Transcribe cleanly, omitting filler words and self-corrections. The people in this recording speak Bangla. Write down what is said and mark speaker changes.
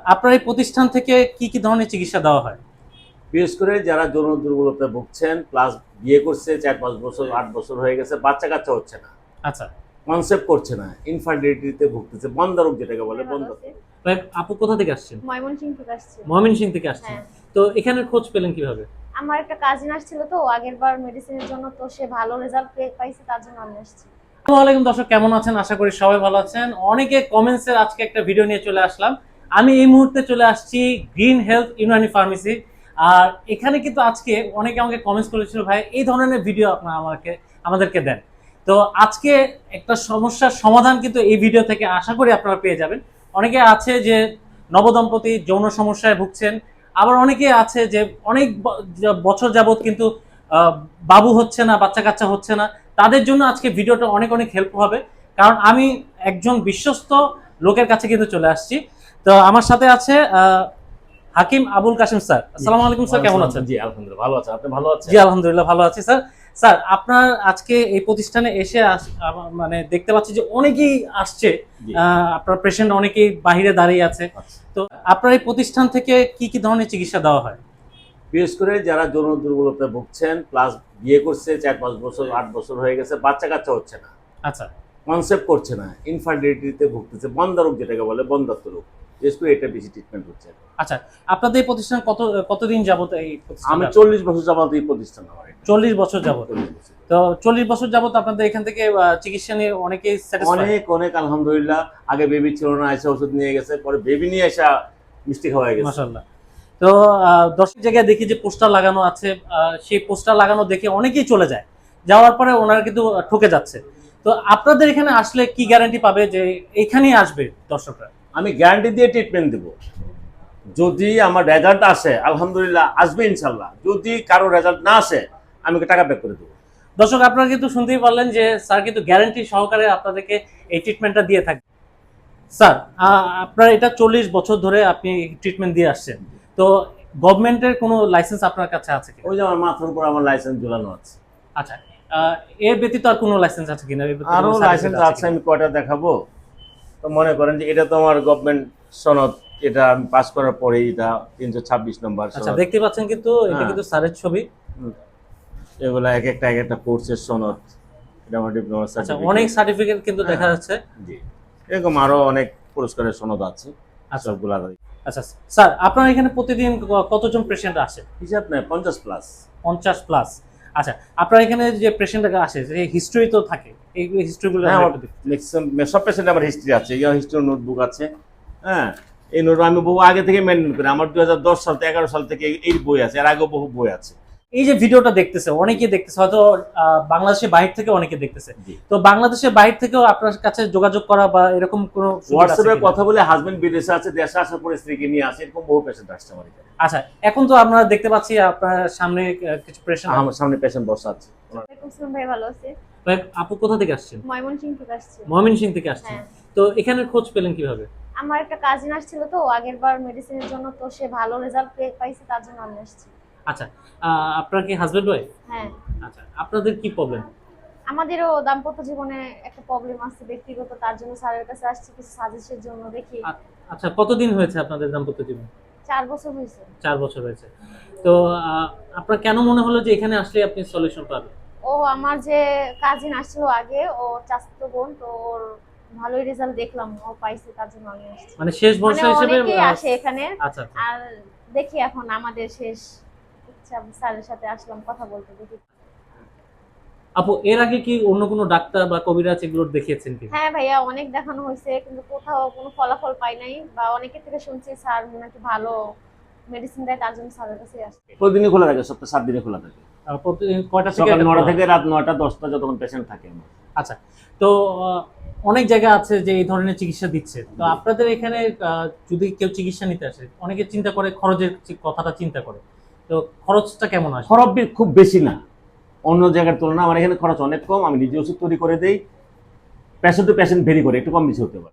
Speaker 1: আপনার এই প্রতিষ্ঠান থেকে কি কি ধরনের চিকিৎসা দেওয়া হয়?
Speaker 2: বিশেষ করে যারা যৌন দুর্বলতায় ভুগছেন, প্লাস বিয়ে করছে ৪-৫ বছর ৮ বছর হয়ে গেছে, বাচ্চা কাচ্চা হচ্ছে না,
Speaker 1: আচ্ছা।
Speaker 2: কনসেপ্ট করছে না, ইনফার্টিলিটিতে ভুগতেছে, বন্ধ্যা রোগ যেটাকে বলে বন্ধ্যা।
Speaker 1: ভাই, আপু কোথা থেকে আসছেন?
Speaker 3: ময়মনসিংহ থেকে আসছি।
Speaker 1: ময়মনসিংহ থেকে আসছেন।
Speaker 3: হ্যাঁ।
Speaker 1: তো এখানে খোঁজ পেলেন কিভাবে?
Speaker 3: আমার একটা কাজিন আসছিল তো আগের বার মেডিসিনের জন্য, তো সে ভালো রেজাল্ট পাইছে, তার জন্য আমি আসছি।
Speaker 1: আসসালামু আলাইকুম দর্শক, কেমন আছেন? আশা করি সবাই ভালো আছেন। অনেকে কমেন্টসের আজকে একটা ভিডিও নিয়ে চলে আসলাম। আমি এই মুহূর্তে চলে আসছি গ্রিন হেলথ ইউনানি ফার্মেসি। আর এখানে কিন্তু আজকে অনেকে আমাকে কমেন্টস করেছিল, ভাই এই ধরনের ভিডিও আপনারা আমাদেরকে দেন। তো আজকে একটা সমস্যার সমাধান কিন্তু এই ভিডিও থেকে আশা করি আপনারা পেয়ে যাবেন। অনেকে আছে যে নবদম্পতি যৌন সমস্যায় ভুগছেন, আবার অনেকে আছে যে অনেক বছর যাবত কিন্তু বাবু হচ্ছে না, বাচ্চা কাচ্চা হচ্ছে না। তাদের জন্য আজকে ভিডিওটা অনেক অনেক হেল্প হবে, কারণ আমি একজন বিশ্বস্ত লোকের কাছে কিন্তু চলে আসছি। তো আমার সাথে আছে হাকিম আবুল কাসিম স্যার। আসসালামু আলাইকুম স্যার, কেমন আছেন?
Speaker 2: জি আলহামদুলিল্লাহ ভালো আছেন। আপনি ভালো আছেন?
Speaker 1: জি আলহামদুলিল্লাহ ভালো আছি স্যার। স্যার, আপনার আজকে এই প্রতিষ্ঠানে এসে মানে দেখতে পাচ্ছি যে অনেকেই আসছে, আপনার পেশেন্ট অনেকেই বাহিরে দাঁড়িয়ে আছে। তো আপনার এই প্রতিষ্ঠান থেকে কি কি ধরনের চিকিৎসা দেওয়া হয়?
Speaker 2: বিশেষ করে যারা যৌন দুর্বলতায় ভুগছেন, প্লাস বিয়ে করছে ৪-৫ বছর ৮ বছর হয়ে গেছে, বাচ্চা কাচ্চা হচ্ছে না,
Speaker 1: আচ্ছা।
Speaker 2: কনসেপ্ট করছে না, ইনফার্টিলিটিতে ভুগতেছে, বন্ধ্যা রোগ যেটাকে বলে বন্ধ্যত্ব রোগ। বিশেষ করে এটা বেশি ট্রিটমেন্ট হচ্ছে।
Speaker 1: আচ্ছা, আপনাদের এই প্রতিষ্ঠান কতদিন যাবত এই প্রতিষ্ঠান?
Speaker 2: আমি 40 বছর যাবত এই প্রতিষ্ঠান আমার।
Speaker 1: 40 বছর যাবত।
Speaker 2: 40 বছর।
Speaker 1: তো 40 বছর যাবত আপনাদের এখান থেকে চিকিৎসা নিয়ে অনেকেই স্যাটিসফাইড?
Speaker 2: অনেক অনেক আলহামদুলিল্লাহ। আগে বেবি ছিল না, এসে ওষুধ নিয়ে গেছে, পরে বেবি নিয়ে এসে মিষ্টি খাওয়া গেছে।
Speaker 1: মাশাআল্লাহ। তো দর্শক জায়গায় দেখি যে পোস্টার লাগানো আছে, সেই পোস্টার লাগানো দেখে অনেকেই চলে যায়, যাওয়ার পরে ওনারা কিন্তু ঠকে যাচ্ছে। তো আপনাদের এখানে আসলে কি গ্যারান্টি পাবে যে এইখানেই আসবে দর্শকরা?
Speaker 2: আমি গ্যারান্টি দিয়ে ট্রিটমেন্ট দেব। যদি আমার রেজাল্ট আসে আলহামদুলিল্লাহ, আসবে ইনশাল্লাহ। যদি কারো রেজাল্ট না আসে আমি টাকা ব্যাক করে দেবো।
Speaker 1: দর্শক, আপনারা কিন্তু শুনতেই পারলেন যে স্যার কিন্তু গ্যারান্টি সহকারে আপনাদেরকে এই ট্রিটমেন্টটা দিয়ে থাকবে। স্যার, আপনার এটা 40 বছর ধরে আপনি ট্রিটমেন্ট দিয়ে আসছেন, তো গভর্নমেন্টের কোনো লাইসেন্স আপনার কাছে আছে কি?
Speaker 2: ওই যে আমার মাথার উপর আমার লাইসেন্স ঝুলানো আছে।
Speaker 1: আচ্ছা, এর ব্যতীত আর কোনো লাইসেন্স আছে কিনা?
Speaker 2: আরো লাইসেন্স আছে, আমি কয়টা দেখাবো? তো মনে করেন যে এটা তো আমার গভর্নমেন্ট সনদ, এটা আমি পাস করার পরে এটা 326 নম্বর
Speaker 1: আচ্ছা,
Speaker 2: সনদ।
Speaker 1: দেখতে পাচ্ছেন কিন্তু এটা কিন্তু স্যারের ছবি।
Speaker 2: এগুলা এক একটা কোর্সের সনদ। এটা আমার ডিপ্লোমা
Speaker 1: আচ্ছা,
Speaker 2: সার্টিফিকেট।
Speaker 1: অনেক সার্টিফিকেট কিন্তু দেখা যাচ্ছে।
Speaker 2: জি, এরকম আরো অনেক পুরস্কারের সনদ আছে।
Speaker 1: আচ্ছা।
Speaker 2: সবগুলা
Speaker 1: আচ্ছা স্যার, আপনার এখানে প্রতিদিন কতজন পেশেন্ট আসে?
Speaker 2: হিসাব নেই, 50 প্লাস।
Speaker 1: 50 প্লাস। আচ্ছা, আপনার এখানে যে পেশেন্ট আসে, যে হিস্ট্রি তো থাকে, এই হিস্ট্রিগুলো
Speaker 2: ম্যাক্সিমাম সব পেশেন্ট আমার হিস্ট্রি আছে, হিস্ট্রি নোটবুক আছে। হ্যাঁ, এই নোট আমি বহু আগে থেকে মেনটেন করি। আমার 2010 সাল থেকে 11 সাল থেকে এই বই আছে, এর আগেও বহু বই আছে।
Speaker 1: এই যে ভিডিওটা দেখতেছে অনেকেই দেখতেছে, হয়তো বাংলাদেশের বাইরে থেকে অনেকে দেখতেছে। তো বাংলাদেশের বাইরে থেকেও আপনার কাছে যোগাযোগ করা বা এরকম কোনো
Speaker 2: হোয়াটসঅ্যাপে কথা বলে, হাজবেন্ড বিদেশে আছে, দেশে আসার পরে স্ত্রীকে নিয়ে আসে, এরকম বহু পেশেন্ট আসছে আমার এখানে।
Speaker 1: আচ্ছা, এখন তো আমরা দেখতে পাচ্ছি আপনার সামনে কিছু পেশেন্ট,
Speaker 2: আমার সামনে পেশেন্ট বসা আছে।
Speaker 3: ভাই ভালো আছে।
Speaker 1: ভাই, আপু কোথা থেকে আসছেন?
Speaker 3: ময়মনসিংহ থেকে আসছি।
Speaker 1: ময়মনসিংহ থেকে আসছেন।
Speaker 3: হ্যাঁ।
Speaker 1: তো এখানে খোঁজ পেলেন কিভাবে?
Speaker 3: আমার একটা কাজিন আসছিল তো আগের বার মেডিসিনের জন্য, তো সে ভালো রেজাল্ট পাইছে, তার জন্য আমি আসছি।
Speaker 1: আচ্ছা, আপনার কি হাজবেন্ড ওয়াইফ?
Speaker 3: হ্যাঁ।
Speaker 1: আচ্ছা, আপনাদের কি প্রবলেম?
Speaker 3: আমাদেরও দাম্পত্য জীবনে একটা প্রবলেম আছে ব্যক্তিগত, তার জন্য স্যারের কাছে আসছি কিছু সাজেশনের জন্য, দেখি।
Speaker 1: আচ্ছা, কতদিন হয়েছে আপনাদের দাম্পত্য জীবন?
Speaker 3: 4 বছর হয়েছে।
Speaker 1: 4 বছর হয়েছে। তো আপনার কেন মনে হলো যে এখানে আসলে আপনি সলিউশন পাবেন?
Speaker 3: ও আমার যে কাজিন আসছিল আগে, ও চাচাতো বোন, তো ওর ভালোই রেজাল্ট দেখলাম, ও পাইছে, তার জন্য আমি আসছি।
Speaker 1: মানে শেষ ভরসা হিসেবে
Speaker 3: অনেকেই আসে এখানে।
Speaker 1: আচ্ছা।
Speaker 3: আর দেখি এখন আমাদের শেষ ইচ্ছা, স্যারের সাথে আসলাম কথা বলতে, দেখি।
Speaker 1: আপু, এর আগে কি অন্য কোনো ডাক্তার বা কবিরাজ এগুলো দেখিয়েছেন কি?
Speaker 3: হ্যাঁ ভাইয়া, অনেক দেখানো হয়েছে, কিন্তু কোথাও কোনো ফলাফল পাই নাই, বা অনেকের থেকে শুনছি স্যার নাকি ভালো মেডিসিন দেয়, তার জন্য স্যারের কাছে আসছি।
Speaker 2: প্রতিদিনই খোলা থাকে, সপ্তাহে 7 দিনে খোলা থাকে।
Speaker 1: প্রতিদিন কয়টা থেকে?
Speaker 2: সকাল 9টা থেকে রাত 9টা 10টা যতক্ষণ পেশেন্ট থাকে আমার।
Speaker 1: আচ্ছা, তো অনেক জায়গা আছে যে এই ধরনের চিকিৎসা দিচ্ছে। তো আপনাদের এখানে যদি কেউ চিকিৎসা নিতে আসে, অনেকে চিন্তা করে খরচের কথাটা চিন্তা করে, তো খরচটা কেমন আসে?
Speaker 2: খরচ খুব বেশি না অন্য জায়গার তুলনায়। আমার এখানে খরচ অনেক কম। আমি নিজে ওষুধ তৈরি করে দেই, পেশেন্ট টু পেশেন্ট ভেরি করে, একটু কম বেশি হতে পারে।